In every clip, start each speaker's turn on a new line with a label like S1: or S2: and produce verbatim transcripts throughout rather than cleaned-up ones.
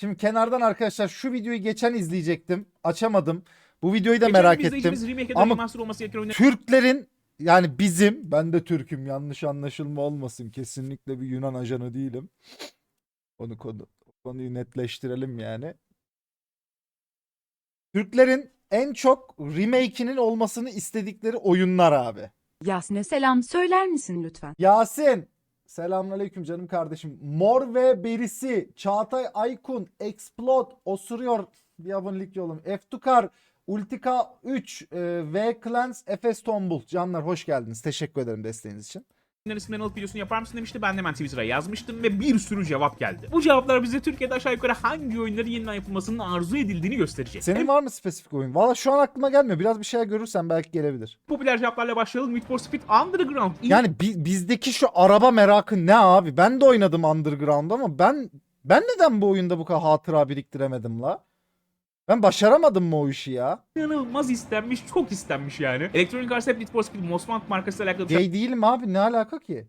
S1: Şimdi kenardan arkadaşlar şu videoyu geçen izleyecektim. Açamadım. Bu videoyu da
S2: Geçen
S1: merak
S2: bir izleyicimiz
S1: ettim.
S2: remake ya da
S1: Ama
S2: remaster olması gereken oyunları
S1: Türklerin yani bizim, ben de Türk'üm, yanlış anlaşılma olmasın. Kesinlikle bir Yunan ajanı değilim. Onu konu, konuyu netleştirelim yani. Türklerin en çok remake'inin olmasını istedikleri oyunlar abi.
S3: Yasne selam söyler misin lütfen?
S1: Yasin. Selamünaleyküm canım kardeşim. Mor ve Berisi, Çağatay Aykun, Explode, Osuruyor, bir abonelik yolum. Eftukar, Ultika üç, e, V Clans, Efes Tombul. Canlar hoş geldiniz. Teşekkür ederim desteğiniz için.
S2: isimlerini alıp videosunu yapar mısın demişti. Ben de hemen Twitter'a yazmıştım ve bir sürü cevap geldi. Bu cevaplar bize Türkiye'de aşağı yukarı hangi oyunların yeniden yapılmasının arzu edildiğini gösterecek.
S1: Senin
S2: En
S1: var mı spesifik oyun? Valla şu an aklıma gelmiyor. Biraz bir şey görürsen belki gelebilir.
S2: popüler cevaplarla başlayalım. Need for Speed Underground.
S1: Yani bi- bizdeki şu araba merakı ne abi? Ben de oynadım Underground ama ben ben neden bu oyunda bu kadar hatıra biriktiremedim la? Ben başaramadım mı o işi ya?
S2: İnanılmaz istenmiş, çok istenmiş yani. Electronic Arts hep Need for Speed Most Wanted markasıyla alakalı bir
S1: Gay değilim abi, ne alaka ki?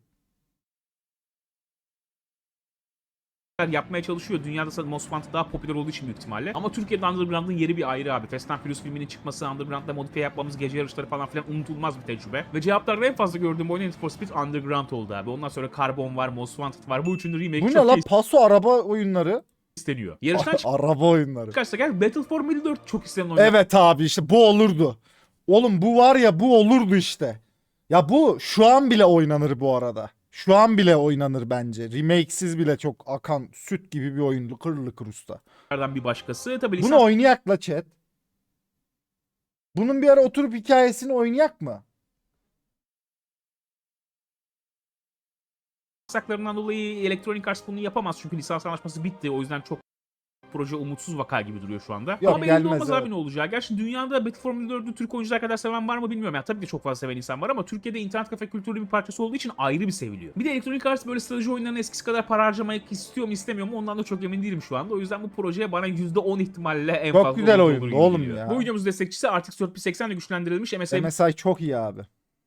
S2: şeyler yapmaya çalışıyor. Dünyada zaten Most Wanted daha popüler olduğu için büyük ihtimalle. Ama Türkiye'de Underground'ın yeri bir ayrı abi. Fast and Furious filminin çıkması, Underground'da modifiye yapmamız, gece yarışları falan filan unutulmaz bir tecrübe. Ve cevaplarda en fazla gördüğüm oyun Need for Speed Underground oldu abi. Ondan sonra Carbon var, Most Wanted var. Bu üçünün remake
S1: Bu ne
S2: çok
S1: la?
S2: da
S1: Paso araba oyunları.
S2: isteniyor. Yarıştan
S1: Araba oyunları.
S2: çıkarsa gel Battle for Middle-earth çok istenen oyun.
S1: Evet abi, işte bu olurdu. Oğlum bu var ya, bu olurdu işte. Ya bu şu an bile oynanır bu arada. Şu an bile oynanır bence. Remake'siz bile çok akan süt gibi bir oyun. Lıkır lıkır usta.
S2: bir başkası. Tabii
S1: Bunu oynayak la chat. Bunun bir ara oturup hikayesini oynayak mı?
S2: yasaklarından dolayı Electronic Arts bunu yapamaz çünkü lisans anlaşması bitti. O yüzden çok proje umutsuz vaka gibi duruyor şu anda.
S1: Yok,
S2: Ama belli
S1: gelmez,
S2: olmaz
S1: evet.
S2: abi ne olacağı. Gerçi dünyada Battle for Middle-earth'ü Türk oyuncular kadar seven var mı bilmiyorum. Yani tabii ki çok fazla seven insan var ama Türkiye'de internet kafe kültürü bir parçası olduğu için ayrı bir seviliyor. Bir de Electronic Arts böyle strateji oyunlarına eskisi kadar para harcamak istiyor mu istemiyor mu ondan da çok emin değilim şu anda. O yüzden bu projeye bana yüzde on ihtimalle en
S1: Çok
S2: fazla
S1: güzel
S2: olur
S1: oyundu
S2: gibi
S1: oğlum
S2: geliyor.
S1: ya.
S2: Bu videomuz destekçisi R T X dört bin seksen ile güçlendirilmiş M S I.
S1: M S I çok iyi abi.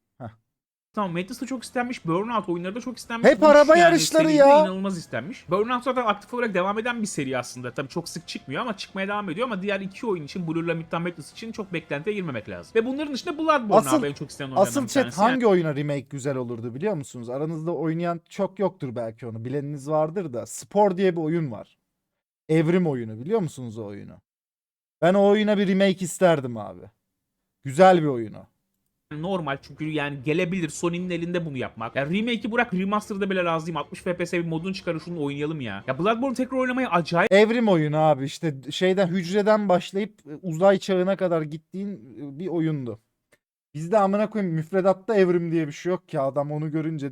S2: Tamam, Matrix da çok istenmiş, Burnout oyunları da çok istenmiş.
S1: Hep
S2: Bu
S1: araba
S2: üç
S1: yarışları
S2: seride
S1: ya.
S2: inanılmaz istenmiş. Burnout zaten aktif olarak devam eden bir seri aslında. Tabii çok sık çıkmıyor ama çıkmaya devam ediyor ama diğer iki oyun için, Blur'la Midtown Madness için çok beklentiye girmemek lazım. Ve bunların dışında Bloodborne
S1: Asıl-
S2: abi en çok istenen oyunlardan
S1: Asıl
S2: bir
S1: chat
S2: tanesi.
S1: hangi oyuna remake güzel olurdu biliyor musunuz? Aranızda oynayan çok yoktur belki onu. Bileniniz vardır da. Spor diye bir oyun var. Evrim oyunu, biliyor musunuz o oyunu? Ben o oyuna bir remake isterdim abi. Güzel bir oyunu.
S2: Yani normal çünkü yani gelebilir Sony'nin elinde bunu yapmak. Ya remake'i bırak, remaster'da bile razıyım. altmış F P S bir modunu çıkarın, şunu oynayalım ya. Ya Bloodborne tekrar oynamayı acayip
S1: Evrim oyunu abi, işte şeyden, hücreden başlayıp e, uzay çağına kadar gittiğin e, bir oyundu. Bizde amına koyayım müfredatta evrim diye bir şey yok ki, adam onu görünce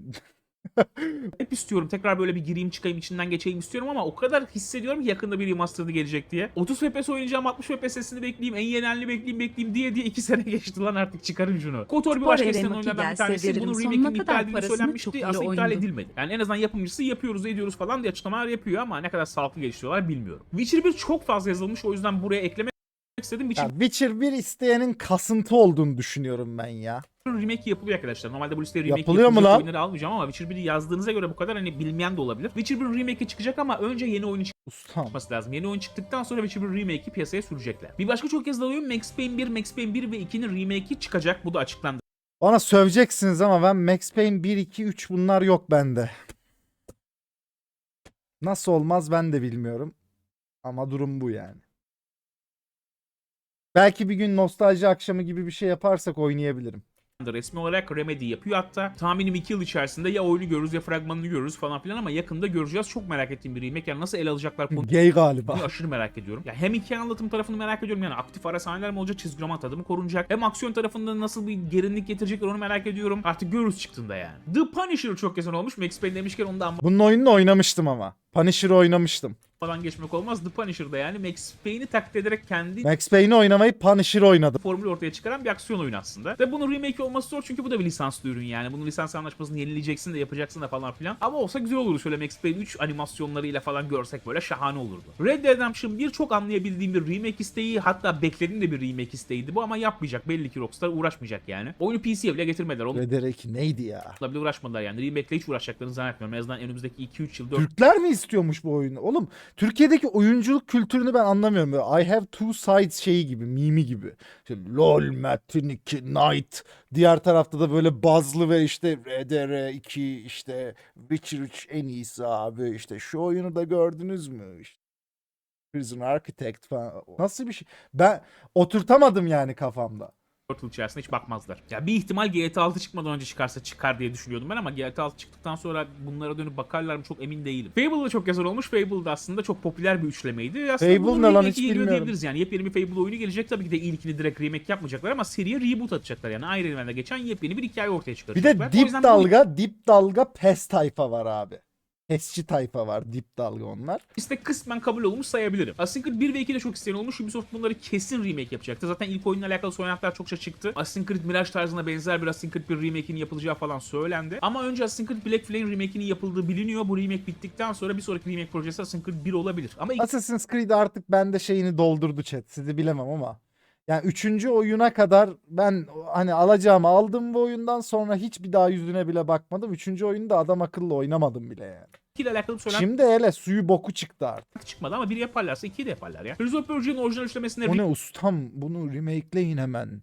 S2: hep istiyorum. Tekrar böyle bir gireyim çıkayım içinden geçeyim istiyorum ama o kadar hissediyorum ki yakında bir remaster'ı gelecek diye. otuz F P S oynayacağım, altmış F P S'ini bekleyeyim, en yeni halini bekleyeyim bekleyeyim diye diye iki sene geçti lan, artık çıkarın şunu. KOTOR bir
S3: Spor
S2: başka
S3: Eren
S2: istenen
S3: Maki
S2: oyunlardan bir
S3: gelse
S2: tanesi.
S3: veririm,
S2: Bunun
S3: sonuna
S2: remake'inin
S3: kadar
S2: iptal edildiği
S3: parasını
S2: söylenmişti.
S3: çokuyla
S2: Aslında iptal
S3: oynadım.
S2: edilmedi. Yani en azından yapımcısı yapıyoruz ediyoruz falan diye açıklamalar yapıyor ama ne kadar sağlıklı geliştiriyorlar bilmiyorum. Witcher bir çok fazla yazılmış, o yüzden buraya eklemek istedim. Witcher
S1: ya Witcher bir isteyenin kasıntı olduğunu düşünüyorum ben ya.
S2: remake yapılıyor arkadaşlar. Normalde bu listeye remake
S1: Yapılıyor mu
S2: yapılacak
S1: lan?
S2: oyunları almayacağım ama Witcher biri yazdığınıza göre bu kadar hani bilmeyen de olabilir. Witcher bir remake'i çıkacak ama önce yeni oyunu
S1: Ustam.
S2: çıkması lazım. Yeni oyun çıktıktan sonra Witcher bir remake'i piyasaya sürecekler. Bir başka çok yazılan oyun Max Payne bir, Max Payne bir ve ikinin remake'i çıkacak. Bu da açıklandı.
S1: Bana söveceksiniz ama ben Max Payne bir, iki, üç bunlar yok bende. Nasıl olmaz ben de bilmiyorum. Ama durum bu yani. Belki bir gün nostalji akşamı gibi bir şey yaparsak oynayabilirim.
S2: Resmi olarak Remedy yapıyor hatta. Tahminim iki yıl içerisinde ya oyunu görürüz ya fragmanını görürüz falan filan ama yakında göreceğiz. Çok merak ettiğim bir remake. Yani nasıl ele alacaklar konuyu
S1: Gay galiba.
S2: aşırı merak ediyorum. Ya hem hikaye anlatım tarafını merak ediyorum, yani aktif ara sahneler mi olacak, çizgi roman tadı mı korunacak, hem aksiyon tarafında nasıl bir gerilimlik getirecekler onu merak ediyorum. Artık görürüz çıktığında yani. The Punisher çok kesin olmuş. Max Payne demişken onu da
S1: Bunun oyununu oynamıştım ama. Punisher'ı oynamıştım.
S2: anmadan geçmek olmaz. The Punisher'da yani Max Payne'i taklit ederek kendi
S1: Max Payne'i oynamayı Punisher'ı oynadım.
S2: formülü ortaya çıkaran bir aksiyon oyunu aslında. Ve bunun remake olması zor çünkü bu da bir lisanslı ürün yani. Bunun lisans anlaşmasını yenileyeceksin de yapacaksın da falan filan. Ama olsa güzel olurdu, şöyle Max Payne üç animasyonlarıyla falan görsek böyle şahane olurdu. Red Dead Redemption bir çok anlayabildiğim bir remake isteği, hatta beklediğim de bir remake isteğiydi bu ama yapmayacak. Belli ki Rockstar uğraşmayacak yani. Oyunu P C'ye bile getirmediler. Onunla
S1: Red Dead iki neydi ya?
S2: bile uğraşmadılar yani. Remake'le hiç uğraşacaklarını zannetmiyorum. En azından önümüzdeki iki üç yıl dört
S1: Türkler mi istiyormuş bu oyunu? Oğlum Türkiye'deki oyunculuk kültürünü ben anlamıyorum. Böyle I have two sides şeyi gibi, mimi gibi. İşte LOL, Metin iki, Knight. Diğer tarafta da böyle bazlı ve işte R D R iki, işte Witcher üç en iyisi abi. İşte şu oyunu da gördünüz mü? İşte Prison Architect falan. Nasıl bir şey? Ben oturtamadım yani kafamda.
S2: dört yıl içerisinde hiç bakmazlar. Ya bir ihtimal G T A altı çıkmadan önce çıkarsa çıkar diye düşünüyordum ben ama G T A altı çıktıktan sonra bunlara dönüp bakarlar mı çok emin değilim. Fable da çok yazar olmuş. Fable da aslında çok popüler bir üçlemeydi. Aslında
S1: Fable
S2: bunun
S1: ne lan,
S2: remake'i
S1: hiç
S2: geliyor
S1: bilmiyorum.
S2: diyebiliriz yani. Yepyeni bir Fable oyunu gelecek. Tabii ki de ilkini direkt remake yapmayacaklar ama seriye reboot atacaklar. Yani Iron Man'de geçen yepyeni bir hikaye ortaya
S1: Bir
S2: çıkaracaklar.
S1: de
S2: O
S1: dip
S2: yüzden bu
S1: dalga, dip dalga pes tayfa var abi. Pesçi tayfa var, dip dalga onlar.
S2: liste kısmen kabul olmuş sayabilirim. Assassin's Creed bir ve iki de çok isteyen olmuş. Ubisoft bunları kesin remake yapacaktı. Zaten ilk oyunla alakalı söylentiler çokça çıktı. Assassin's Creed Mirage tarzına benzer bir Assassin's Creed bir remake'inin yapılacağı falan söylendi. Ama önce Assassin's Creed Black Flame remake'inin yapıldığı biliniyor. Bu remake bittikten sonra bir sonraki remake projesi Assassin's Creed bir olabilir. Ama ilk
S1: Assassin's Creed artık bende şeyini doldurdu chat. Sizi bilemem ama. Yani üçüncü oyuna kadar ben hani alacağımı aldım bu oyundan sonra hiç bir daha yüzüne bile bakmadım. Üçüncü oyunu da adam akıllı oynamadım bile yani.
S2: ile alakalı bir söylenti
S1: Şimdi hele suyu boku çıktı artık.
S2: çıkmadı ama biri yaparlarsa ikiyi de yaparlar ya. Prince of Persia'nın orijinal üçlemesinde
S1: O ne ustam, bunu remake'leyin hemen.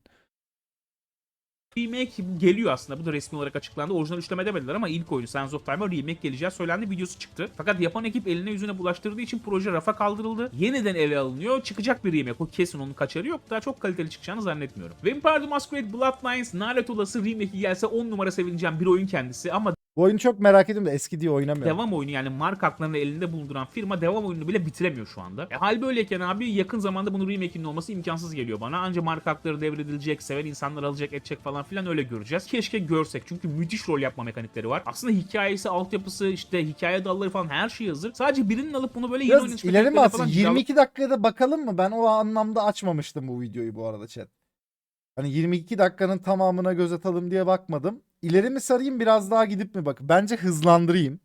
S2: remake geliyor aslında. Bu da resmi olarak açıklandı. Orijinal üçleme demediler ama ilk oyunu Sands of Time'a remake geleceği söylendi. Videosu çıktı. Fakat yapan ekip eline yüzüne bulaştırdığı için proje rafa kaldırıldı. Yeniden ele alınıyor. Çıkacak bir remake. O kesin, onun kaçarı yok. Daha çok kaliteli çıkacağını zannetmiyorum. Vampire the Masquerade Bloodlines lanet olası remake'i gelse on numara sevineceğim bir oyun kendisi ama
S1: Bu oyunu çok merak ediyorum da eski diye oynamıyorum.
S2: devam oyunu, yani marka haklarını elinde bulunduran firma devam oyununu bile bitiremiyor şu anda. E, hal böyleyken abi yakın zamanda bunun remake'inin olması imkansız geliyor bana. Anca marka hakları devredilecek, seven insanlar alacak, edecek falan filan, öyle göreceğiz. Keşke görsek çünkü müthiş rol yapma mekanikleri var. Aslında hikayesi, altyapısı, işte hikaye dalları falan her şey hazır. Sadece birinin alıp bunu böyle yeni oyun
S1: Biraz ileri mi
S2: mekaniklerine
S1: atsın?
S2: falan
S1: yirmi iki dakikada bakalım mı? Ben o anlamda açmamıştım bu videoyu bu arada chat. Hani yirmi iki dakikanın tamamına göz atalım diye bakmadım. İleri mi sarayım, biraz daha gidip mi bak? Bence hızlandırayım.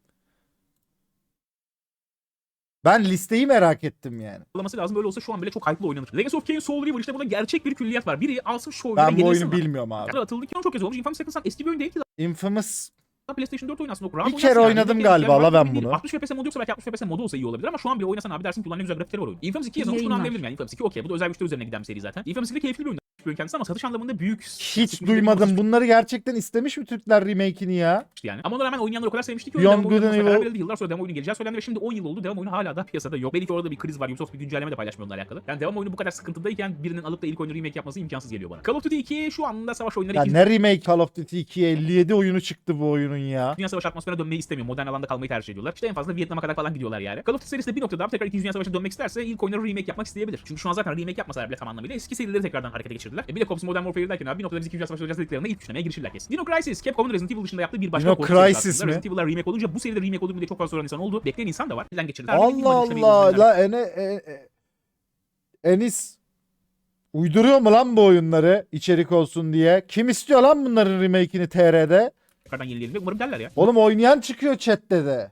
S1: Ben listeyi merak ettim yani.
S2: alması lazım. Böyle olsa şu an bile çok hype'lı oynanır. Legacy of Kain Soul River, işte burada gerçek bir külliyat var. Biri alsın şu oyunu ve
S1: Ben bu
S2: yenilsin
S1: oyunu
S2: lan.
S1: bilmiyorum abi.
S2: Yani atıldı ki çok kez olmuş. Infamous Second Son eski bir oyun değil ki.
S1: Infamous
S2: PlayStation dört oyunu aslında. O rahat
S1: Bir
S2: oynarsın
S1: kere
S2: yani.
S1: oynadım
S2: Yine
S1: galiba,
S2: yani
S1: la ben
S2: değil.
S1: bunu.
S2: altmış F P S modu yoksa belki altmış F P S modu olsa iyi olabilir ama şu an bile oynasan abi dersin ki ulan ne güzel grafikleri var oyun. Infamous iki yazılmış, bunu
S3: Yayınlar.
S2: anlayabilirim yani. Infamous iki okey, bu da özel güçler üzerine giden bir seri zaten. Infamous iki de keyifli bir oyun. Bir oyun kendisi ama satış anlamında büyük.
S1: hiç duymadım. Bunları gerçekten istemiş mi Türkler remake'ini ya?
S2: Yani. Ama ona rağmen oynayanlar o kadar sevmişti ki
S1: Beyond
S2: oyun
S1: Good and
S2: karar
S1: Evil.
S2: verildi. Yıllar sonra devam oyunu geleceği söylendi ve şimdi on yıl oldu. Devam oyunu hala da piyasada yok. Belki orada bir kriz var. Ubisoft bir güncelleme de paylaşmıyor onunla alakalı. Yani devam oyunu bu kadar sıkıntıdayken birinin alıp da ilk oyunu remake yapması imkansız geliyor bana. Call of Duty iki şu anda savaş oyunları
S1: Ya
S2: ikinci
S1: ne remake Call of Duty ikiye elli yedi oyunu çıktı bu oyunun ya.
S2: Dünya Savaşı atmosferine dönmeyi istemiyor. Modern alanda kalmayı tercih ediyorlar. İşte en fazla Vietnam'a kadar falan gidiyorlar yani. Call of Duty serisi de bir noktada abi tekrar ikinci. Dünya Savaşı'na dönmek isterse ilk oyunları remake yapmak isteyebilir. Çünkü şu an zaten remake yapmasalar bile tam anlamıyla eski serileri tekrardan harekete geçirdiler. E bir de Cops Modern Warfare derken abi bir noktada biz ikinci. Dünya Savaşı olacağız dediklerinde ilk üçlemeye girişirler kesin. Dino Crisis, Capcom'un Resident Evil dışında yaptığı bir başka
S1: Dino
S2: korku serisi
S1: Crisis
S2: aslında.
S1: mi?
S2: Resident Evil'lar remake olunca bu seride remake olur mu diye çok fazla soran insan oldu. Bekleyen insan da var. Bizden geçirdiler.
S1: Allah Allah la ene e, e, Enis uyduruyor mu lan bu oyunları içerik olsun diye? Kim istiyor lan bunların remake'ini T R'de?
S2: Tekrardan yenileyelim ve umarım derler ya.
S1: Oğlum oynayan çıkıyor chatte de.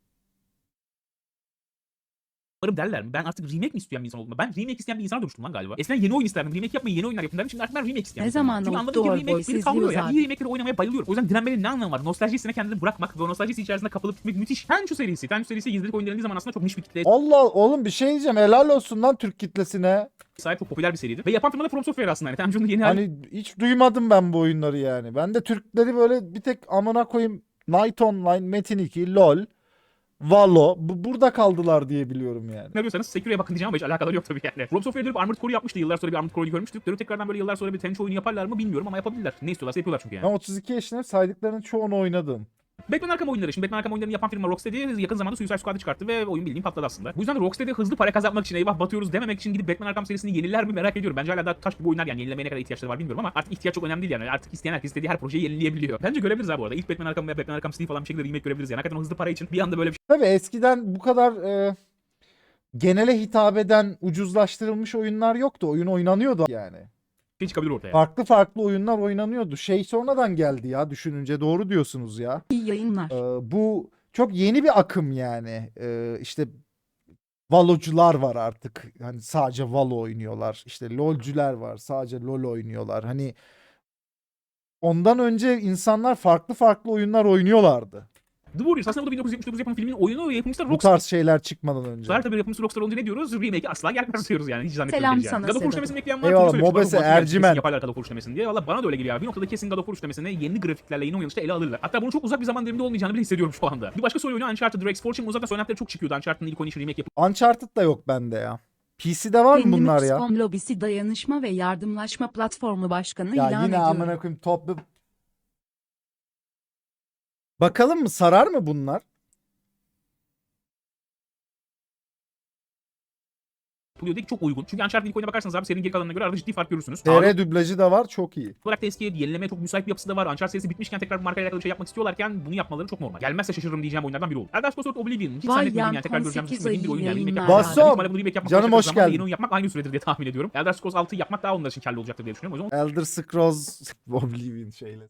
S2: Umarım derler mi? Ben artık remake mi isteyen bir insan oldum? Ben remake isteyen bir insana dönüştüm lan galiba. Eskiden yeni oyun isterdim. Remake yapmayı, yeni oyunlar yapın derdim. Şimdi artık ben remake isteyen
S3: Ne
S2: bir insanım.
S3: zaman
S2: Çünkü
S3: oldu
S2: anladım ki
S3: Doğru
S2: remake
S3: Boy,
S2: beni
S3: siz
S2: kavruluyor ya.
S3: diyoruz
S2: İyi remake'leri oynamaya bayılıyorum. O yüzden direnmenin ne anlamı var? Nostalji hissine kendini bırakmak ve o nostalji içerisinde kapılıp gitmek müthiş. Tenchu serisi. Tenchu serisi gizlilik oyun denildiği zaman aslında çok niş bir kitleye
S1: Allah oğlum bir şey diyeceğim, helal olsun lan Türk kitlesine.
S2: sahip, çok popüler bir seriydi. Ve yapan firma da From Software aslında. Yani Tenchu'nun yeni hali.
S1: Hani hiç duymadım ben bu oyunları yani. Ben de Türkleri böyle bir tek amına koyayım Night Online, Metin iki, LoL, Valo bu, burada kaldılar diye biliyorum yani.
S2: Ne diyorsanız Sekiro'ya bakın diyeceğim ama hiç alakaları yok tabii yani. From Software dönüp Armored Core'u yapmıştı. Yıllar sonra bir Armored Core'u görmüştük. Dönüp tekrardan böyle yıllar sonra bir Tenchu oyunu yaparlar mı bilmiyorum ama yapabilirler. Ne istiyorlarsa yapıyorlar çünkü yani.
S1: Ben otuz iki yaşındayım, saydıklarının çoğunu oynadım.
S2: Batman Arkham oyunları. Şimdi Batman Arkham oyunlarını yapan firma Rocksteady yakın zamanda Suicide Squad'ı çıkarttı ve oyun bildiğin patladı aslında. Bu yüzden Rocksteady hızlı para kazanmak için, eyvah batıyoruz dememek için gidip Batman Arkham serisini yeniler mi merak ediyorum. Bence hala daha taş gibi oyunlar yani, yenilemeye ne kadar ihtiyaçları var bilmiyorum ama artık ihtiyaç çok önemli değil yani. Artık isteyen herkes istediği her projeyi yenileyebiliyor. Bence görebiliriz abi bu arada. İlk Batman Arkham veya Batman Arkham City falan bir şekilde remake görebiliriz yani. Hakikaten o hızlı para için bir anda böyle bir
S1: Tabii eskiden bu kadar e, genele hitap eden ucuzlaştırılmış oyunlar yoktu. Oyun oynanıyordu yani.
S2: şey çıkabilir ortaya.
S1: Farklı farklı oyunlar oynanıyordu. Şey sonradan geldi ya, düşününce doğru diyorsunuz ya.
S3: İyi yayınlar.
S1: Ee, bu çok yeni bir akım yani. Ee, işte Valocular var artık. Hani sadece Valo oynuyorlar. İşte LoL'cüler var. Sadece LoL oynuyorlar. Hani ondan önce insanlar farklı farklı oyunlar oynuyorlardı.
S2: The Warriors aslında bu da bin dokuz yüz yetmiş dokuz yapımı filmin oyunu, yapımcısı da
S1: Bu
S2: Rockstar.
S1: tarz şeyler çıkmadan önce.
S2: Tabii yapımcısı Rockstar olunca ne diyoruz? Remake'i asla gelmez diyoruz yani. Hiç zannetmiyorum.
S3: Selam
S2: geleceğini.
S3: sana
S2: God of War
S3: Sedat.
S2: üçlemesini bekleyen var.
S1: Eyvallah,
S2: Kimse söylüyor,
S1: Mobese,
S2: God of War
S1: Ercimen.
S2: kesin yaparlar God of War üçlemesini diye. Valla bana da öyle geliyor abi. Bir noktada kesin God of War üçlemesini yeni grafiklerle, yeni oynanışla ele alırlar. Hatta bunun çok uzak bir zaman diliminde olmayacağını bile hissediyorum şu anda. Bir başka soru oyunu Uncharted Drake's Fortune. Uzaktan söylentileri çok çıkıyordu. Uncharted'ın ilk oyunu için remake yapıldı.
S1: Uncharted da yok bende ya. P C'de var mı bunlar ya?
S3: Kendimi Lobisi Dayanışma ve Yardımlaşma Platformu Başkanı
S1: Ya
S3: ilan
S1: yine
S3: ediyorum.
S1: amına koyayım toplu. Bakalım mı, sarar mı bunlar?
S2: Diyor ki çok uygun. Çünkü Uncharted'ın ilk oyuna bakarsanız abi serinin geri kalanına göre arada ciddi fark görürsünüz.
S1: T R dublajı da var, çok iyi.
S2: olarak da eskiye yenilemeye çok müsait bir yapısı da var. Uncharted serisi bitmişken tekrar bir markayla alakalı bir şey yapmak istiyorlarken bunu yapmaları çok normal. Gelmezse şaşırırım diyeceğim oyunlardan biri olur. Elder Scrolls Oblivion hiç
S3: Vay
S2: zannetmediğim
S3: yan,
S2: yani tekrar göreceğimizi
S3: on sekiz
S2: düşünmediğim bir oyun yani.
S3: ayı
S2: Remake
S3: yayınlar
S2: yapmak.
S1: Basom,
S2: Büyük ihtimalle bunu remake yapmak
S1: canım
S2: başladığı
S1: hoş
S2: zaman da
S1: geldin.
S2: yeni oyun yapmak aynı süredir diye tahmin ediyorum. Elder Scrolls altıyı yapmak daha onlar için kârlı olacaktır diye düşünüyorum. O yüzden
S1: Elder Scrolls Oblivion şeyle.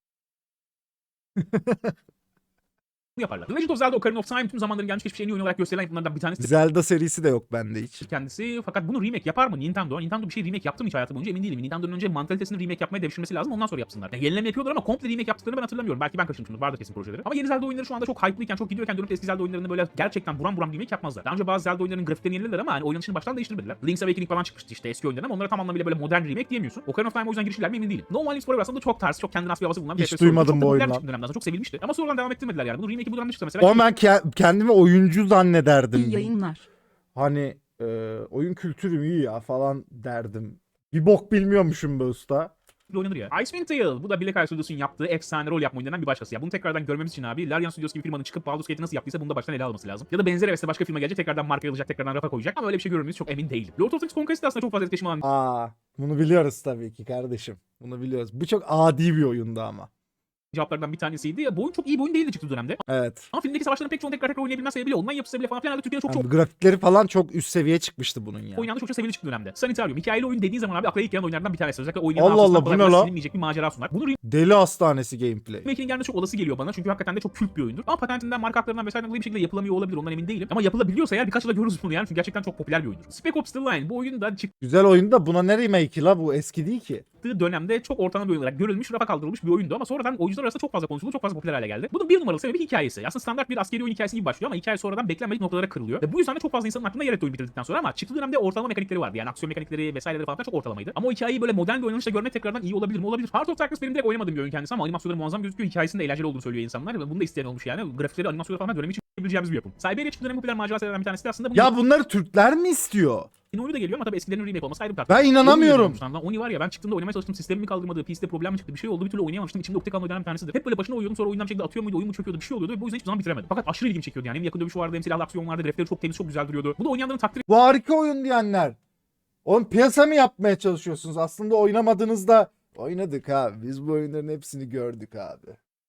S2: bunu yaparlar. The Legend of Zelda Ocarina of Time tüm zamanların gelmiş geçmiş en iyi oyun olarak gösterilen yapımlardan bir tanesi.
S1: Zelda serisi de yok bende hiç.
S2: Kendisi fakat bunu remake yapar mı Nintendo? Nintendo bir şey remake yaptı mı hiç hayatı boyunca emin değilim. Nintendo'nun önce mantalitesini remake yapmaya devşirmesi lazım ondan sonra yapsınlar. Yani yenileme yapıyorlar ama komple remake yaptıklarını ben hatırlamıyorum. Belki ben kaçırmışımdır. Vardır kesin projeleri. Ama yeni Zelda oyunları şu anda çok hype'lıyken, çok gidiyorken dönüp eski Zelda oyunlarını böyle gerçekten buram buram remake yapmazlar. Daha önce bazı Zelda oyunlarının grafiklerini yenilediler ama hani oynanışını baştan değiştirmediler. Link's Awakening falan çıkmıştı işte eski oyunların ama onlara tam anlamıyla böyle modern remake diyemiyorsun. Ocarina of Time o yüzden girişiler mi emin değilim. No One Lives Forever aslında çok tarz, çok kendine has bir havası bulunan bir
S1: Hiç
S2: F P S oyunu.
S1: duymadım
S2: Çok
S1: bu
S2: da popüler
S1: oyundan.
S2: çıktı dönemden sonra çok sevilmişti. Ama sonradan devam ettirmediler yani. Bunun remake'i bu dönemde çıktı mesela.
S1: O ben ke- kendimi oyuncu zannederdim.
S3: İyi yayınlar.
S1: Hani e, oyun kültürüm iyi ya falan derdim. Bir bok bilmiyormuşum be usta.
S2: oynanır ya. Icewind Dale bu da Black Isle Studios'un yaptığı efsane rol yapma oyunlarından bir başkası ya. Bunu tekrardan görmemiz için abi Larian Studios gibi firmanın çıkıp Baldur's Gate'i nasıl yaptıysa bunu da baştan ele alması lazım. Ya da benzer hevesle başka firma gelecek tekrardan marka alacak tekrardan rafa koyacak ama öyle bir şey görür müyüz çok emin değilim. Lord of the Rings Conquest de aslında çok fazla etkileşim alan
S1: Aa, bunu biliyoruz tabii ki kardeşim. Bunu biliyoruz. Bu çok adi bir oyundu ama.
S2: cevaplardan bir tanesiydi. Ya bu oyun çok iyi bir oyun değildi çıktığı dönemde.
S1: Evet.
S2: Ama filmdeki savaşların pek çoğunu tekrar tekrar oynayabilmez sebebiyle online yapısı bile falan filan da Türkiye'de çok çok
S1: Yani grafikleri falan çok üst seviye çıkmıştı bunun ya.
S2: oynandı çok çok sevili çıktı dönemde. Sanitarium hikayeli oyun dediğin zaman abi akla ilk gelen oyunlardan bir tanesi. Özellikle oynayan
S1: Allah
S2: hafızasından
S1: Allah, bu
S2: kolay
S1: ne
S2: kolay
S1: la?
S2: silinmeyecek bir macera sunar. Bunu
S1: Deli hastanesi gameplay.
S2: remake'in gelmesi çok olası geliyor bana çünkü hakikaten de çok kült bir oyundur. Ama patentinden, marka haklarından vesaire dolayı bir şekilde yapılamıyor olabilir ondan emin değilim. Ama yapılabiliyorsa eğer birkaç yılda görürüz bunu yani çünkü gerçekten çok popüler bir oyundur. Spec Ops The Line bu oyun da çıktığı
S1: Güzel oyun da buna ne remake'i la, bu eski değil ki.
S2: dönemde çok ortalama bir oyun olarak görülmüş, rafa kaldırılmış bir oyundu ama sonradan oyuncular arasında çok fazla konuşuldu, çok fazla popüler hale geldi. Bunun bir numaralı sebebi hikayesi. Aslında standart bir askeri oyun hikayesi gibi başlıyor ama hikaye sonradan beklenmedik noktalara kırılıyor. Ve bu yüzden de çok fazla insanın aklında yer etti oyun bitirdikten sonra ama çıktığı dönemde ortalama mekanikleri vardı. Yani aksiyon mekanikleri vesaireleri falan filan çok ortalamaydı. Ama o hikayeyi böyle modern bir oynanışla görmek tekrardan iyi olabilir mi? Olabilir. Heart of Darkness benim direkt oynamadığım bir oyun kendisi ama animasyonları muazzam gözüküyor. Hikayesinin de eğlenceli olduğunu söylüyor insanlar ve bunu da isteyen olmuş yani. Grafikleri, animasyonları falan dönemi için yapabileceğimiz bir yapım. Siberia çıktığı dönemin popüler macera serilerden bir tanesi de aslında bu.
S1: Ya bunları Türkler mi istiyor?
S2: Yeni oyunu da geliyor ama tabii eskilerin remake olması ayrı bir tartışma.
S1: Ben inanamıyorum.
S2: Oni Oni var ya ben çıktığımda oynamaya çalıştım sistemimi kaldırmadı, P C'de problem mi çıktı bir şey oldu bir türlü oynayamamıştım. İçimde ukde kalan oyunlardan bir tanesidir. Hep böyle başına uyuyordum sonra oyundan bir şekilde atıyor muydu oyun mu çöküyordu bir şey oluyordu ve bu yüzden hiçbir zaman bitiremedim. Fakat aşırı ilgimi çekiyordu yani hem yakın dövüş vardı hem silahlı aksiyon vardı grafikleri çok temiz çok güzel duruyordu. Bu da oynayanların takdir
S1: Bu harika oyun diyenler. Oğlum piyasa mı yapmaya çalışıyorsunuz? Aslında oynamadığınızda oynadık abi. Biz bu oyunların hepsini gördük abi.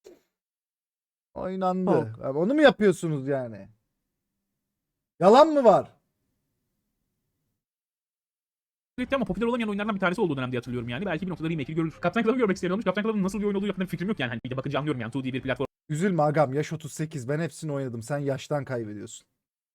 S1: Oynandı.
S3: Yok.
S1: Abi onu mu yapıyorsunuz yani? Yalan mı var?
S2: etti ama popüler olamayan oyunlardan bir tanesi olduğu dönemde hatırlıyorum yani. Belki bir noktada remake'i görülür. Captain Club'ı görmek isteyen olmuş. Captain Club'ın nasıl bir oyun olduğu hakkında bir fikrim yok yani. Hani bir de bakınca anlıyorum yani. iki D bir platform
S1: Üzülme agam, yaş otuz sekiz, ben hepsini oynadım. Sen yaştan kaybediyorsun.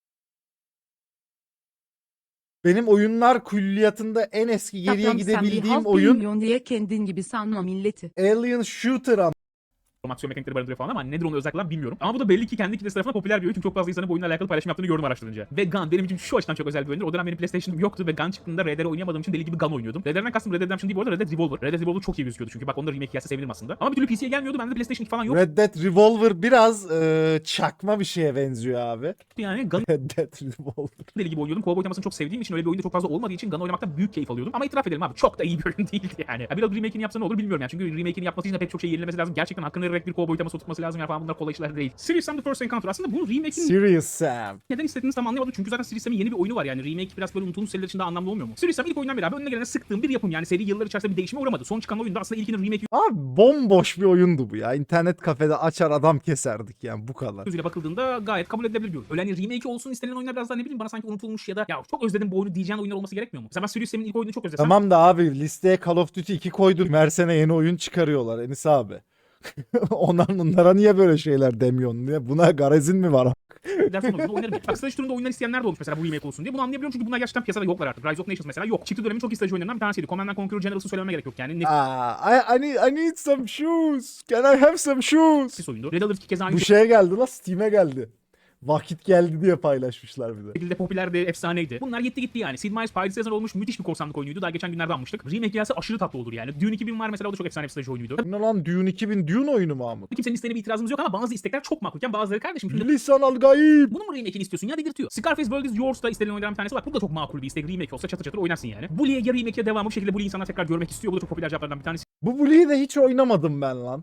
S1: Benim oyunlar külliyatında en eski geriye
S3: Tatlım, sen bir
S1: gidebildiğim
S3: halk
S1: oyun
S3: bilmiyorsun diye kendin gibi sanma milleti.
S1: Alien Shooter ama.
S2: aksiyon mekanikleri barındırıyor falan ama nedir onu özellikle ben bilmiyorum. Ama bu da belli ki kendi kitlesi tarafından popüler bir oyun. Çünkü çok fazla insanın bu oyunla alakalı paylaşım yaptığını gördüm araştırınca. Ve Gun benim için şu açıdan çok özel bir oyundur. O dönem benim PlayStation'ım yoktu ve Gun çıktığında R D R oynayamadığım için deli gibi Gun oynuyordum. R D R'den kastım Red Dead Redemption değil bu arada Red Dead Revolver. Red Dead Revolver çok iyi gözüküyordu çünkü bak onda remake gelse sevinirim aslında. Ama bir türlü P C'ye gelmiyordu. Bende PlayStation iki falan yok.
S1: Red Dead Revolver biraz e, çakma bir şeye benziyor abi.
S2: Yani Gun
S1: Red Dead Revolver.
S2: deli gibi oynuyordum. Cowboy temasını çok sevdiğim için öyle bir oyunda çok fazla olmadığı için Gun oynamaktan büyük keyif alıyordum. Ama itiraf edelim abi çok da iyi bir oyun değildi yani. Ya biraz remake'ini yapsa ne olur bilmiyorum yani. Çünkü remake'ini yapması için de pek çok şey yenilemesi lazım. Gerçekten hakkını vererek bir Cowboy teması oturtması lazım ya falan bunlar kolay işler değil. Serious Sam The First Encounter aslında bunun remake'ini
S1: Serious Sam.
S2: neden istediğinizi tam anlayamadım çünkü zaten Serious Sam'in yeni bir oyunu var yani remake biraz böyle unutulmuş seriler için daha anlamlı olmuyor mu? Serious Sam ilk oyundan beri abi önüne gelene sıktığım bir yapım yani seri yıllar içerisinde bir değişime uğramadı. Son çıkan oyunda aslında ilkinin remake
S1: Abi bomboş bir oyundu bu ya. İnternet kafede açar adam keserdik yani, bu kadar.
S2: gözüyle bakıldığında gayet kabul edilebilir bir oyun. Öyle hani remake olsun istenilen oyunlar biraz daha ne bileyim bana sanki unutulmuş ya da ya çok özledim bu oyunu diyeceğin oyunlar olması gerekmiyor mu? Mesela ben Serious Sam'in ilk oyununu çok özledim.
S1: Tamam da abi listeye Call of Duty iki koydum. Her sene yeni oyun çıkarıyorlar Enis abi. Onların onlara niye böyle şeyler demiyorsun? Niye? Buna garezin mi var?
S2: dersin olduğunda oynarım yani. Bak strateji turunda oyunlar isteyenler de olmuş mesela bu remake olsun diye. Bunu anlayabiliyorum çünkü bunlar gerçekten piyasada yoklar artık. Rise of Nations mesela yok. Çıktı dönemin çok iyi strateji oyunlarından bir tanesiydi. Command and Conquer Generals'ı söylememe gerek yok yani.
S1: Aa, I, I, need, I need some shoes. Can I have some shoes?
S2: Nefis oyundu. Red Alert iki kez aynı
S1: Bu şeye geldi lan, Steam'e geldi. Vakit geldi diye paylaşmışlar bir de.
S2: şekilde popülerdi, efsaneydi. Bunlar gitti gitti yani. Sid Meier's Pirates Season olmuş müthiş bir korsanlık oyunuydu. Daha geçen günlerde almıştık. Remake gelse aşırı tatlı olur yani. Dune iki bin var mesela, o da çok efsane bir strateji oyunuydu.
S1: Ne lan, Dune iki bin Dune oyunu mu Mahmut?
S2: Kimsenin isteğine bir itirazımız yok ama bazı istekler çok makulken bazıları kardeşim şimdi
S1: Lisan al gayib.
S2: bunun mu remake'ini istiyorsun ya, dedirtiyor. Scarface World is Yours da istediğin oyunlardan bir tanesi. Bak bu da çok makul bir istek. Remake olsa çatır çatır oynarsın yani. Bully'e ya remake ya devamı, bu şekilde Bully insanlar tekrar görmek istiyor. Bu da çok popüler cevaplardan bir tanesi.
S1: Bu Bully'yi de hiç oynamadım ben lan.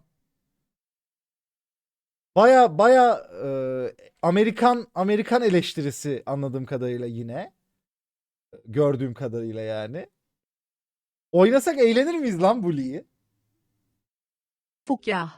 S1: Baya baya e, Amerikan Amerikan eleştirisi anladığım kadarıyla yine. Gördüğüm kadarıyla yani. Oynasak eğlenir miyiz lan Bully'yi?
S3: Fukya.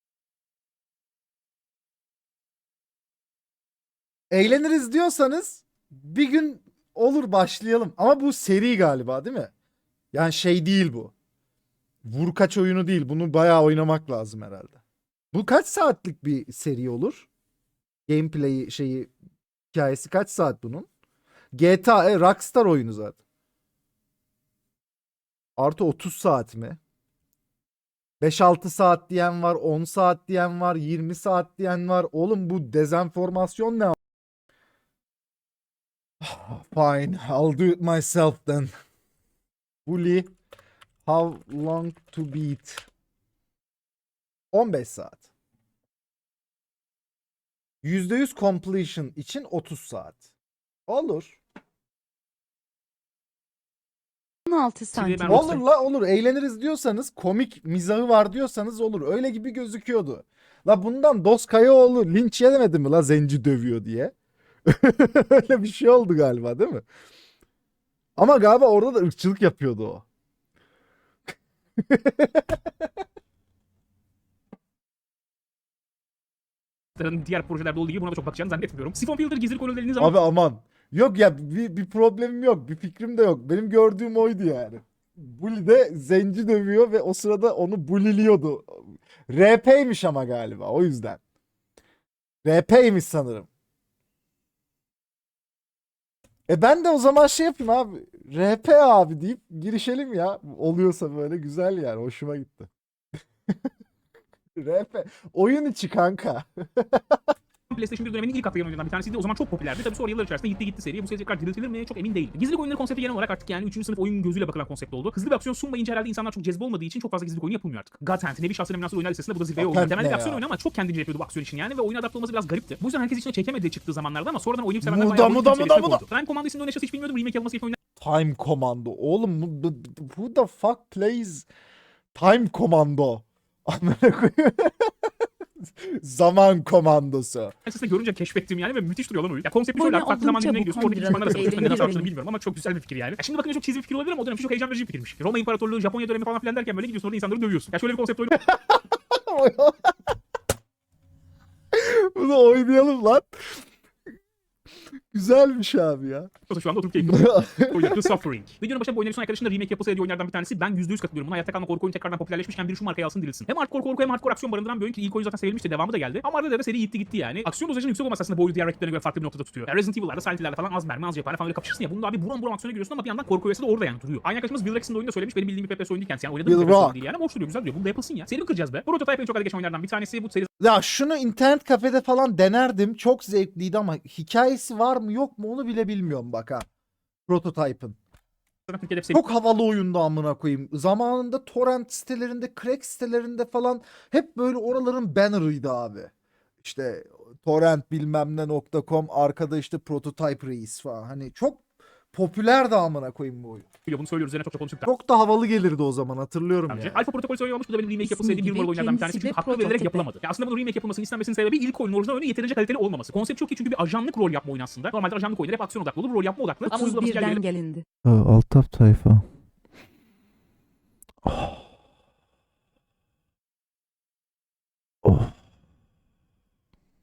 S1: Eğleniriz diyorsanız bir gün olur, başlayalım. Ama bu seri galiba değil mi? Yani şey değil bu. Vur kaç oyunu değil. Bunu bayağı oynamak lazım herhalde. Bu kaç saatlik bir seri olur? Gameplay'i şeyi, hikayesi kaç saat bunun? G T A e, Rockstar oyunu zaten. Artı otuz saat mi? beş altı saat diyen var, on saat diyen var, yirmi saat diyen var. Oğlum bu dezenformasyon ne? Fine, I'll do it myself then. Bully, how long to beat? on beş saat. yüzde yüz completion için otuz saat. Olur.
S3: on altı
S2: Şimdi ben
S3: santim.
S2: Rockstar-
S1: Olur la olur. Eğleniriz diyorsanız, komik mizahı var diyorsanız olur. Öyle gibi gözüküyordu. La bundan Dos Kayaoğlu linç yemedi mi la zenci dövüyor diye? Öyle bir şey oldu galiba değil mi? Ama galiba orada da ırkçılık yapıyordu o.
S2: diğer projelerde olduğu gibi buna da çok bakacağını zannetmiyorum. Siphon Filter gizli konuları dediğiniz zaman
S1: Abi aman. Yok ya, bir, bir problemim yok. Bir fikrim de yok. Benim gördüğüm oydu yani. Bully de zenci dövüyor ve o sırada onu bulliliyordu. R P'ymiş ama galiba o yüzden. R P'ymiş sanırım. E ben de o zaman şey yapayım abi. R P abi deyip girişelim ya. Oluyorsa böyle güzel yani. Hoşuma gitti. R P. Oyun içi kanka.
S2: PlayStation bir döneminin ilk atlayan oyunlarından bir tanesiydi. O zaman çok popülerdi. Tabii sonra yıllar içerisinde gitti gitti seri. Bu seri tekrar diriltilir mi çok emin değilim. Gizlilik oyunları konsepti genel olarak artık yani üçüncü sınıf oyun gözüyle bakılan konsept oldu. Hızlı bir aksiyon sunmayınca herhalde insanlar çok cezbe olmadığı için çok fazla gizlilik oyunu yapılmıyor artık. God Hand, Nevi Şahsın Emlakçı oyunlar listesinde bu da zirveye
S1: God
S2: oldu.
S1: Hand
S2: Temelde
S1: ne
S2: bir aksiyon
S1: ya?
S2: oyunu ama çok kendince yapıyordu bu aksiyon için yani ve oyuna adapte olması biraz garipti. Bu yüzden herkes içine çekemediği çıktığı zamanlarda ama sonradan oynayıp sevenler
S1: Muda,
S2: bayağı
S1: muda,
S2: oyun
S1: muda,
S2: seviyesine
S1: muda.
S2: koydu. Time Commando isimli oynayışını hiç bilmiyordum. Remake yapılması gerekiyor
S1: Time Commando. Oğlum bu, bu- who the fuck plays Time Commando? Amına koyayım. Zaman komandosu.
S2: Aslında görünce keşfettim yani ve müthiş duruyor lan oyun. Ya konsepti şöyle
S3: Abone
S2: abi, farklı
S3: oldum,
S2: zaman dilimine
S3: çabuk
S2: gidiyorsun. Oradaki
S3: on lira.
S2: düşmanlar arasında konuşmanın neden
S3: Eğlenir
S2: savaştığını
S3: miyim?
S2: bilmiyorum ama çok güzel bir fikir yani. Ya şimdi bakınca çok cheesy bir fikir olabilir ama o dönem çok heyecan verici bir fikirmiş. Roma İmparatorluğu, Japonya dönemi falan filan derken böyle gidiyorsun orada insanları dövüyorsun. Ya şöyle bir konsept oyunu
S1: Bunu oynayalım lan. Güzelmiş abi ya.
S2: şu anda oturup keyifli oyunu The Suffering. Videonun başında bu oyunların son arkadaşında remake yapılsa diye oyunlardan bir tanesi. Ben yüzde yüz katılıyorum. Buna hayatta kalma korku oyunu tekrardan popülerleşmişken biri şu markayı alsın dirilsin. Hem hardcore korku hem hardcore aksiyon barındıran bir oyun ki ilk oyun zaten sevilmişti, devamı da geldi. Ama arada da seri gitti gitti yani. Aksiyon dozajının yüksek olması aslında bu oyunu diğer rakiplerine göre farklı bir noktada tutuyor. Ya Resident Evil'larda, Silent Hill'lerde falan az mermi az cephane falan öyle kapışırsın ya. Bunda abi buram buram aksiyona giriyorsun ama bir yandan korku öğesi de orada yani duruyor. Aynı arkadaşımız Bill Rex'in de oyunda söylemiş, benim bildiğim bir F P S oyunu değil kendisi yani. Oynadığım
S1: Bill
S2: bir F P S oyunu
S1: Rock.
S2: değil yani ama hoş duruyor, güzel duruyor. Bunu da yapılsın ya. Seri mi kıracağız be? Prototype en çok adı geçen oyunlardan bir tanesi. Bu seri
S1: Ya şunu internet kafede falan denerdim. Çok zevkliydi ama hikayesi var mı yok mu onu bile bilmiyorum bak ha. Prototype'ın.
S2: zaten Türkiye'de hep seri
S1: Çok havalı oyundu amına koyayım. Zamanında torrent sitelerinde, crack sitelerinde falan hep böyle oraların banner'ıydı abi. İşte torrent bilmem ne nokta com, arkada işte prototype reis falan. Hani çok popülerdi amına koyayım bu oyun.
S2: biliyor. Bunu söylüyoruz üzerine çok çok konuştuk.
S1: Çok da havalı gelirdi o zaman, hatırlıyorum
S2: Önce.
S1: yani.
S2: Alfa Protokol söylüyormuş. Bu da benim remake
S3: İsmi
S2: yapılsaydı bir
S3: gibi,
S2: numaralı oyunlardan bir tanesi.
S3: kendisi
S2: Çünkü
S3: de
S2: hakkı verilerek
S3: prototipi.
S2: yapılamadı. Ya aslında bunun remake yapılmasını istenmesinin sebebi ilk oyunun orijinal oyunu yeterince kaliteli olmaması. Konsept çok iyi çünkü bir ajanlık rol yapma oyunu aslında. Normalde ajanlık oyunları hep aksiyon odaklı olur, rol yapma odaklı. Ama uygulaması gel
S3: otuz birden
S2: gelelim.
S3: gelindi.
S4: Altaf tayfa. Oh.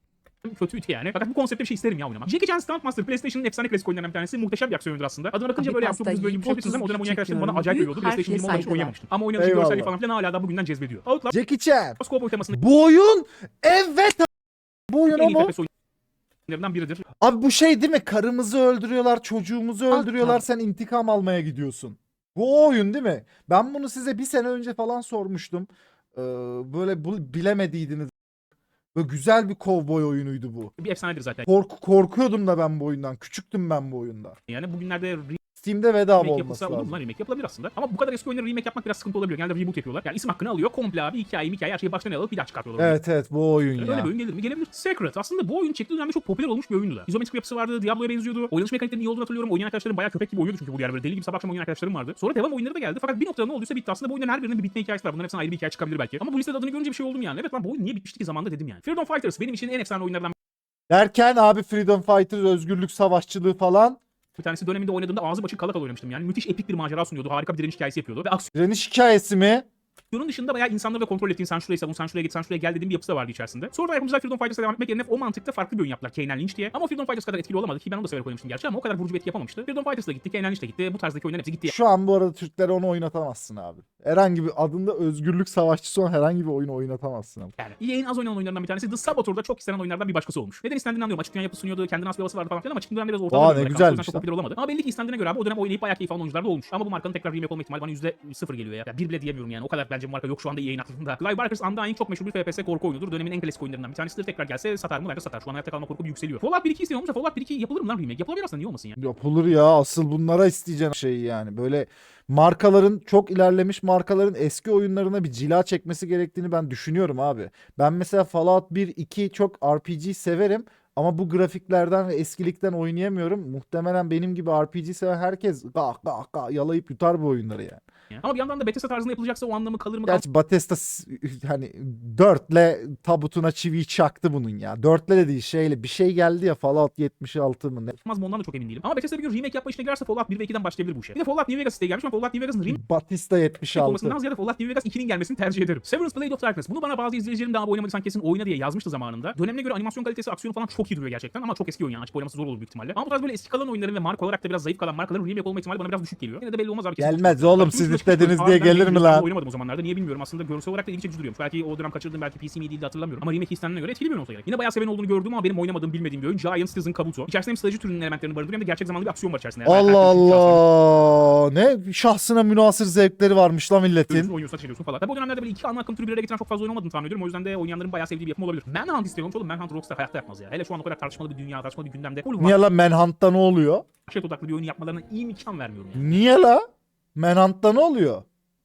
S2: kötüydü yani. Fakat bu konsepte bir şey isterim ya oynamak. Jackie Chan Stuntmaster PlayStation'ın efsane klasik oyunlarından bir tanesi. Muhteşem bir aksiyon oyundur aslında. Adına bakınca
S3: Abi
S2: böyle
S3: pasta
S2: yaptığımız böyle gibi bir şey
S3: yiyip
S2: yapıyorsunuz ama o dönem oynayan arkadaşlarım bana
S3: çekiyorum.
S2: acayip
S3: Büyük
S2: övüyordu. PlayStation
S3: harfle
S2: yirmi onda hiç
S3: saygılar.
S2: oynayamamıştım. Ama oynanışı
S1: Eyvallah.
S2: görselliği falan filan hala da bugünden cezbediyor. Outlast
S1: Jackie Chan.
S2: Kovboy temasındaki
S1: Bu oyun evet bu oyun
S2: en iyi
S1: ama
S2: F P S oyunlarından biridir.
S1: abi bu şey değil mi? Karımızı öldürüyorlar, çocuğumuzu
S3: Alt
S1: öldürüyorlar.
S3: tab.
S1: Sen intikam almaya gidiyorsun. Bu o oyun değil mi? Ben bunu size bir sene önce falan sormuştum. Ee, böyle bu bilemediydiniz. Böyle güzel bir kovboy oyunuydu bu.
S2: Bir efsanedir zaten.
S1: Kork korkuyordum da ben bu oyundan. Küçüktüm ben bu oyunda.
S2: Yani bugünlerde
S1: Steam'de bedava
S2: remake
S1: olması
S2: yapılsa olur mu
S1: lazım.
S2: lan? Remake yapılabilir aslında. Ama bu kadar eski oyunları remake yapmak biraz sıkıntı olabiliyor. Genelde reboot yapıyorlar. Yani isim hakkını alıyor. Komple abi hikaye hikaye her şeyi baştan alıp bir daha çıkartıyorlar. oyunu.
S1: Evet evet bu oyun
S2: Öyle
S1: ya.
S2: bir oyun gelir mi? Gelebilir. Secret. Aslında bu oyun çektiği dönemde çok popüler olmuş bir oyundu da. İzometrik yapısı vardı. Diablo'ya benziyordu. Oynanış mekaniklerinin iyi olduğunu hatırlıyorum. Oynayan arkadaşlarım bayağı köpek gibi oynuyordu çünkü bu yani böyle deli gibi sabah akşam oynayan arkadaşlarım vardı. Sonra devam oyunları da geldi. Fakat bir noktada ne olduysa bitti. Aslında bu oyunların her birinin bir bitme hikayesi var. Bunların hepsinden ayrı bir hikaye çıkabilir belki. Ama bu listede adını görünce bir şey oldum yani. Evet lan bu oyun niye bitmişti ki zamanda dedim yani. Freedom Fighters benim için en efsane oyunlardan
S1: Derken abi Freedom Fighter, özgürlük savaşçılığı falan.
S2: bir tanesi. Döneminde oynadığımda ağzı açık kala kala oynamıştım yani. Müthiş epik bir macera sunuyordu. Harika bir direniş hikayesi yapıyordu. Ve
S1: Direniş hikayesi mi?
S2: aksiyonun dışında bayağı insanları da kontrol ettiğin, sen şuraya savun, sen şuraya git, sen şuraya gel dediğim bir yapısı da vardı içerisinde. Sonra da yapımcılar Freedom Fighters'a devam etmek yerine o mantıkta farklı bir oyun yaptılar. Kane and Lynch diye. Ama Freedom Fighters kadar etkili olamadı ki ben onu da severek oynamıştım gerçi ama o kadar vurucu bir etki yapamamıştı. Freedom Fighters da gitti, Kane and Lynch de gitti. Bu tarzdaki oyunların hepsi gitti.
S1: Şu an bu arada Türklere onu oynatamazsın abi. Herhangi bir adında özgürlük savaşçısı olan herhangi bir oyunu oynatamazsın abi.
S2: Yani E A'nin az oynanan oyunlarından bir tanesi. The Saboteur'da çok istenen oyunlardan bir başkası olmuş. Neden istendiğini anlıyorum. Açık dünya yapısı sunuyordu, kendine has bir havası vardı falan filan ama açık dünya biraz ortada.
S1: Aa,
S2: bir
S1: ne
S2: oyun.
S1: güzelmiş
S2: O yüzden çok
S1: lan.
S2: popüler olamadı. Ama belli ki istendiğine göre abi o dönem oynayıp bayağı keyif alan oyuncular da olmuş. Ama bu markanın tekrar remake olma ihtimali bana yüzde sıfır geliyor ya. ya. Bir bile diyemiyorum yani. O kadar bence bu marka yok şu anda E A'nin aklında. Clive Barker's Undying çok meşhur bir F P S korku oyunudur. Dönemin en klasik oyunlarından bir tanesidir. Tekrar gelse satar mı? Bence satar. Şu an hayatta kalma korkum yükseliyor. Fallout bir iki isteyen olmuş da Fallout bir iki yapılır mı lan remake? Yapılabilir aslında, niye olmasın ya?
S1: Yapılır ya, asıl bunlara isteyeceğin şey yani. Böyle markaların, çok ilerlemiş markaların eski oyunlarına bir cila çekmesi gerektiğini ben düşünüyorum abi. Ben mesela Fallout bir iki çok R P G severim ama bu grafiklerden ve eskilikten oynayamıyorum. Muhtemelen benim gibi R P G seven herkes gah gah gah yalayıp yutar bu oyunları yani.
S2: Ya. Ama bir yandan da Bethesda tarzında yapılacaksa o anlamı kalır mı?
S1: Gerçi Bethesda s- hani dörtle tabutuna çiviyi çaktı bunun ya. Dörtle de değil, şeyle bir şey geldi ya, Fallout yetmiş altı mı ne?
S2: Kalmaz mı ondan da çok emin değilim. Ama Bethesda bir gün remake yapma işine girerse Fallout bir ve ikiden başlayabilir bu işe. Bir de Fallout New Vegas isteği gelmiş ama Fallout New Vegas'ın remake
S1: Batista yetmiş altı.
S2: olmasından ziyade Fallout New Vegas ikinin gelmesini tercih ederim. Severance Blade of Darkness. Bunu bana bazı izleyicilerim daha oynamadıysan kesin oyna diye yazmıştı zamanında. Dönemine göre animasyon kalitesi, aksiyonu falan çok iyi duruyor gerçekten ama çok eski oyun yani. Açıp oynaması zor olur büyük ihtimalle. Ama bu tarz böyle eski kalan oyunların ve marka olarak da biraz zayıf kalan markaların remake olma ihtimali bana biraz düşük geliyor. Yine de belli olmaz abi. kesin
S1: Gelmez
S2: çıkıyor.
S1: oğlum,
S2: Bak,
S1: siz
S2: üç
S1: istediniz
S2: Harbiden
S1: diye gelir mi
S2: değil,
S1: lan?
S2: Oynamadım o zamanlarda. Niye bilmiyorum. Aslında görsel olarak da ilgi çekici duruyormuş. Belki o dönem kaçırdığım, belki P C mi değildi hatırlamıyorum. Ama remake istendiğine göre etkili bir oyun olsa gerek. Yine bayağı seven olduğunu gördüm ama benim oynamadığım, bilmediğim bir oyun. Giant Citizen Kabuto. İçerisinde hem strateji türünün elementlerini barındırıyor hem de gerçek zamanlı bir aksiyon var içerisinde. Yani
S1: Allah
S2: herkes şahsına
S1: Allah. Ne şahsına münasır zevkleri varmış lan
S2: Oynuyorsun,
S1: milletin.
S2: oynuyorsun, ateş ediyorsun falan. Tabi o dönemlerde böyle iki ana akım türü bir araya getiren çok fazla oyun olmadığını tahmin ediyorum. O yüzden de oynayanların bayağı sevdiği bir yapım olabilir. Manhunt istiyormuş oğlum. Manhunt Rockstar hayatta yapmaz ya. Hele şu an o kadar tartışmalı bir dünya, tartışmalı bir gündemde. Oğlum
S1: Niye lan Manhunt'ta ne oluyor?
S2: vahşet odaklı bir oyun yapmalarına imkan vermiyorum yani.
S1: Niye la? Manhunt'ta ne oluyor?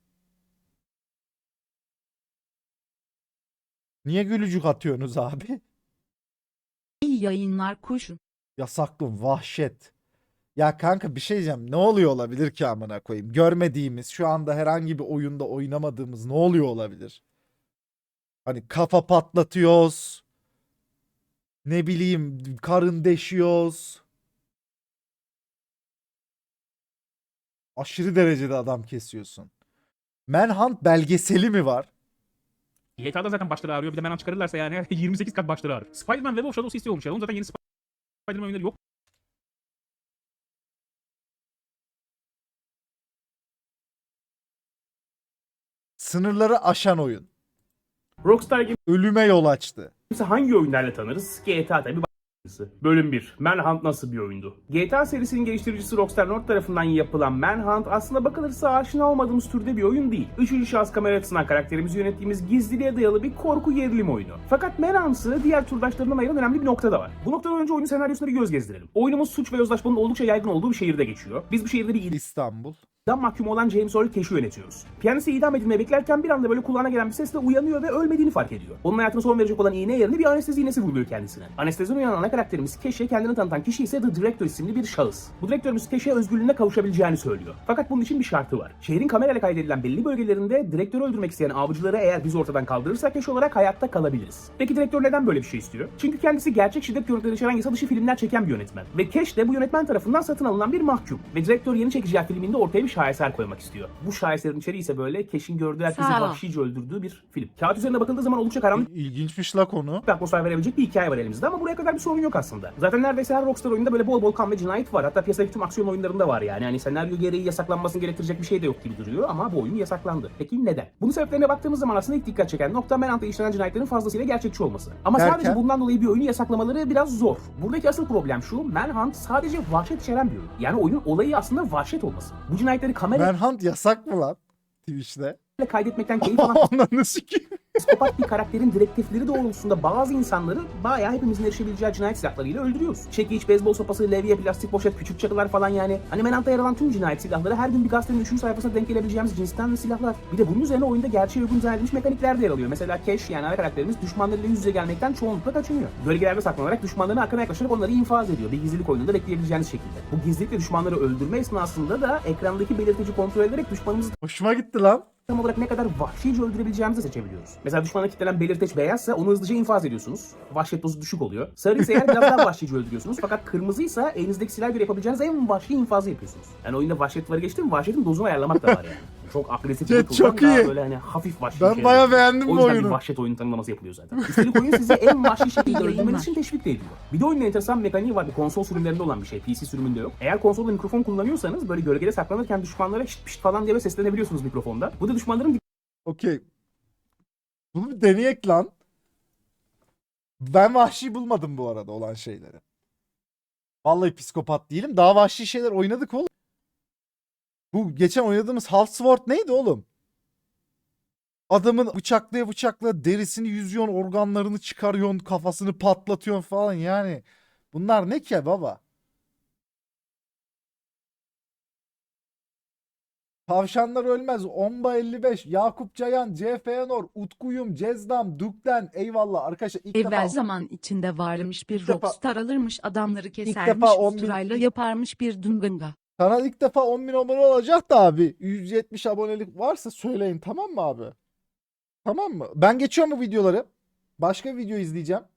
S1: Niye gülücük atıyorsunuz abi?
S3: İyi yayınlar kuşun.
S1: Yasaklı vahşet. Ya kanka bir şey diyeceğim. Ne oluyor olabilir ki amına koyayım? Görmediğimiz, şu anda herhangi bir oyunda oynamadığımız ne oluyor olabilir? Hani kafa patlatıyoruz. Ne bileyim, karın deşiyoruz. Aşırı derecede adam kesiyorsun. Manhunt belgeseli mi var?
S2: G T A'da zaten başları ağrıyor. Bir de Manhunt çıkarırlarsa yani yirmi sekiz kat başları ağrır. Spider-Man Web of Shadows istiyormuş ya. Onun zaten yeni Spider-Man oyunları yok.
S1: Sınırları aşan oyun.
S4: Rockstar Games'i
S1: Ölüme yol açtı.
S4: hangi oyunlarla tanırız? G T A tabi başlısı. Bölüm bir. Manhunt nasıl bir oyundu? G T A serisinin geliştiricisi Rockstar North tarafından yapılan Manhunt aslında bakılırsa aşina olmadığımız türde bir oyun değil. Üçüncü şahıs kamera açısından karakterimizi yönettiğimiz gizliliğe dayalı bir korku gerilim oyunu. Fakat Manhunt'ı diğer turdaşlarından ayıran önemli bir nokta da var. Bu noktadan önce oyunun senaryosuna bir göz gezdirelim. Oyunumuz suç ve yozlaşmanın oldukça yaygın olduğu bir şehirde geçiyor. Biz bu şehirde bir
S1: İstanbul.
S4: idam mahkumu olan James Earl Cash'i yönetiyoruz. Piyanisi idam edilmeye beklerken bir anda böyle kulağına gelen bir sesle uyanıyor ve ölmediğini fark ediyor. Onun hayatına son verecek olan iğne yerine bir anestezi iğnesi vuruluyor kendisine. Anesteziden uyanan ana karakterimiz Cash'e kendini tanıtan kişi ise The Director isimli bir şahıs. Bu direktörümüz Cash'e özgürlüğüne kavuşabileceğini söylüyor. Fakat bunun için bir şartı var. Şehrin kamerayla kaydedilen belli bölgelerinde direktörü öldürmek isteyen avcıları eğer biz ortadan kaldırırsak Cash olarak hayatta kalabiliriz. Peki direktör neden böyle bir şey istiyor? Çünkü kendisi gerçek şiddet görüntüleri içeren yasa dışı filmler çeken bir yönetmen. Ve Cash de bu yönetmen tarafından satın alınan bir mahkum. Ve direktör yeni çekeceği filminde ortaya bir şaheser koymak istiyor. Bu şaheserin içeriği ise böyle Cash'in gördüğü herkesi
S3: Sağ ol.
S4: vahşice öldürdüğü bir film. Kağıt üzerine bakıldığı zaman oldukça karanlık
S1: İlginçmiş la konu.
S4: bir atmosfer verebilecek bir hikaye var elimizde ama buraya kadar bir sorun yok aslında. Zaten neredeyse her Rockstar oyunda böyle bol bol kan ve cinayet var. Hatta piyasadaki tüm aksiyon oyunlarında var yani. Hani senaryo gereği yasaklanmasını gerektirecek bir şey de yok gibi duruyor ama bu oyun yasaklandı. Peki neden? Bunun sebeplerine baktığımız zaman aslında ilk dikkat çeken nokta Manhunt'ta işlenen cinayetlerin fazlasıyla gerçekçi olması. Ama
S1: Derken?
S4: sadece bundan dolayı bir oyunu yasaklamaları biraz zor. Buradaki asıl problem şu: Manhunt sadece vahşet içeren bir oyun. Yani oyunun olayı aslında vahşet olması. Bu cinayetleri kamerayla
S1: Manhunt yasak mı lan Twitch'te?
S4: kaydetmekten keyif alan
S1: Ananı sikeyim.
S4: psikopat bir karakterin direktifleri doğrultusunda bazı insanları bayağı hepimizin erişebileceği cinayet silahlarıyla öldürüyoruz. Çekiç, beyzbol sopası, levye, plastik poşet, küçük çakılar falan yani. Hani Manhunt'ta yer alan tüm cinayet silahları her gün bir gazetenin üçüncü sayfasına denk gelebileceğimiz cinsten silahlar. Bir de bunun üzerine oyunda gerçeğe uygun dizayn edilmiş mekanikler de yer alıyor. Mesela Cash yani ana karakterimiz düşmanlarıyla yüz yüze gelmekten çoğunlukla kaçınıyor. Gölgelerde saklanarak düşmanların arkana yaklaşarak onları infaz ediyor. Bir gizlilik oyununda bekleyebileceğiniz şekilde. Bu gizlilikle düşmanları öldürme esnasında da ekrandaki belirtici kontrol ederek düşmanımızı
S1: Hoşuma gitti lan.
S4: tam olarak ne kadar vahşice öldürebileceğimizi seçebiliyoruz. Mesela düşmana kilitlenen belirteç beyazsa onu hızlıca infaz ediyorsunuz. Vahşet dozu düşük oluyor. Sarı ise eğer biraz daha vahşice öldürüyorsunuz. Fakat kırmızıysa elinizdeki silah göre yapabileceğiniz en vahşi infazı yapıyorsunuz. Yani oyunda vahşet varı geçtim, vahşetin dozunu ayarlamak da var yani. Çok agresif bir
S1: Jet
S4: kullan,
S1: çok
S4: daha
S1: iyi.
S4: böyle hani hafif vahşi
S1: Ben
S4: şeyler
S1: bayağı
S4: yapıyor.
S1: beğendim
S4: O
S1: bu
S4: yüzden
S1: oyunu.
S4: bir vahşet oyunu tanımlaması yapılıyor zaten. Üstelik oyun sizi en vahşi şekilde
S3: İyi
S4: öldürmeniz
S3: yayınlar.
S4: için teşvik de ediyor. Bir de oyunun enteresan bir mekaniği var. Bir konsol sürümlerinde olan bir şey. P C sürümünde yok. Eğer konsolda mikrofon kullanıyorsanız böyle gölgede saklanırken düşmanlara şıt pişt falan diye seslenebiliyorsunuz mikrofonda. Bu da düşmanların
S1: Okey. Bunu bir deneyek lan. Ben vahşi bulmadım bu arada olan şeyleri. Vallahi psikopat değilim. Daha vahşi şeyler oynadık oğlum. Bu geçen oynadığımız Half-Sword neydi oğlum? Adamın bıçaklaya bıçaklaya derisini yüzüyorsun, organlarını çıkarıyorsun, kafasını patlatıyorsun falan yani. Bunlar ne ki baba? Tavşanlar ölmez. Omba elli beş. Yakup Cayan. C F Nor. Utkuyum. Cezdam. Dukten. Eyvallah. Arkadaşlar ilk
S3: Evvel
S1: defa
S3: zaman içinde varmış bir
S1: İlk defa-
S3: rockstar alırmış adamları kesermiş
S1: defa on bin-
S3: usturayla yaparmış bir dunganga.
S1: kanal ilk defa on bin abone olacak da abi. yüz yetmiş abonelik varsa söyleyin, tamam mı abi? Tamam mı? Ben geçiyorum bu videoları. Başka bir video izleyeceğim.